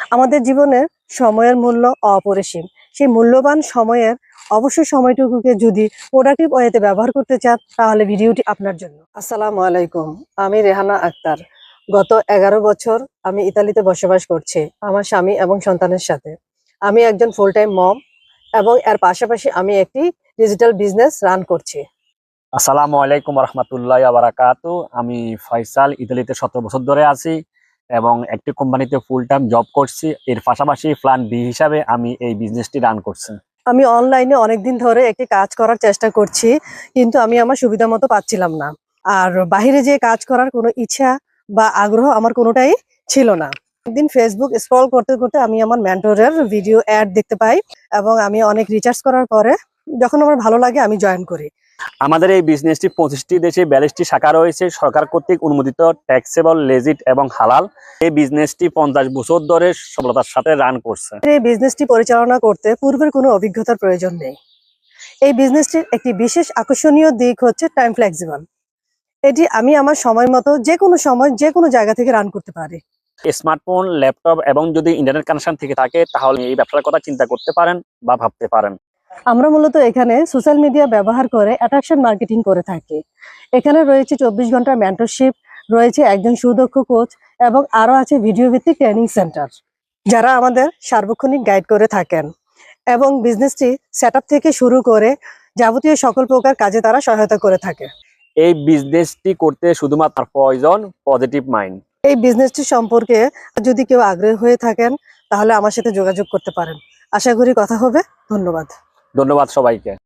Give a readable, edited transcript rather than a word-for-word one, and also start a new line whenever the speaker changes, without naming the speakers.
আমাদের জীবনে সময়ের মূল্য অপরিসীম। সেই মূল্যবান সময়ের অবশ্যই সময়টুকুকে যদি প্রোডাক্টিভ ওয়েতে ব্যবহার করতে চান তাহলে ভিডিওটি আপনার জন্য। আসসালামু আলাইকুম, আমি রেহানা আক্তার। গত 11 বছর আমি ইতালিতে বসবাস করছি আমার স্বামী এবং সন্তানের সাথে। আমি একজন ফুল টাইম মম এবং এর পাশাপাশি আমি একটি ডিজিটাল বিজনেস রান করছি।
আসসালামু আলাইকুম রহমতুল্লাহ বারাকাতু। আমি ফয়সাল, ইতালিতে 17 বছর ধরে আছি এবং একটি কোম্পানিতে ফুল টাইম জব করছি। এর পাশাপাশি প্ল্যান বি হিসাবে আমি এই বিজনেসটি রান করছি।
আমি অনলাইনে অনেকদিন ধরে একটি কাজ করার চেষ্টা করছি, কিন্তু আমি আমার সুবিধা মতো পাচ্ছিলাম না। আর বাইরে যে কাজ করার কোনো ইচ্ছা বা আগ্রহ আমার কোনোটাই ছিল না। একদিন ফেসবুক স্ক্রল করতে করতে আমি আমার মেন্টরের ভিডিও অ্যাড দেখতে পাই এবং আমি অনেক রিসার্চ করার পরে যখন আমার ভালো লাগে আমি জয়েন করি।
আমাদের এই বিজনেসটি 25টি দেশে 42টি শাখা রয়েছে, সরকার কর্তৃক অনুমোদিত, ট্যাক্সেবল, লেজিট এবং হালাল। এই বিজনেসটি 50 বছর ধরে সফলতার সাথে রান করছে।
এই বিজনেসটি পরিচালনা করতে পূর্বের কোনো অভিজ্ঞতার প্রয়োজন নেই। এই বিজনেসটির একটি বিশেষ আকর্ষণীয় দিক হচ্ছে টাইম ফ্লেক্সিবল। এটি আমি আমার সময় মতো যে কোনো সময় যে কোনো জায়গা থেকে রান করতে পারি।
স্মার্টফোন, ল্যাপটপ এবং যদি ইন্টারনেট কানেকশন থেকে থাকে তাহলে এই ব্যবসার কথা চিন্তা করতে পারেন বা ভাবতে পারেন।
আমরা মূলত এখানে সোশ্যাল মিডিয়া ব্যবহার করে অ্যাট্রাকশন মার্কেটিং করে থাকি। এখানে রয়েছে 24 ঘন্টার মেন্টরশিপ, রয়েছে একজন সুদক্ষ কোচ এবং আরও আছে ভিডিও ভিত্তিক ট্রেনিং সেন্টার, যারা আমাদের সার্বক্ষণিক গাইড করে থাকেন এবং বিজনেসটি সেট আপ থেকে শুরু করে যাবতীয় সকল প্রকার কাজে তারা সহায়তা করে থাকে।
এই বিজনেসটি করতে শুধুমাত্র প্রয়োজন পজিটিভ মাইন্ড।
এই বিজনেসটি সম্পর্কে যদি কেউ আগ্রহী হয়ে থাকেন তাহলে আমার সাথে যোগাযোগ করতে পারেন। আশা করি কথা হবে। ধন্যবাদ।
ধন্যবাদ সবাইকে।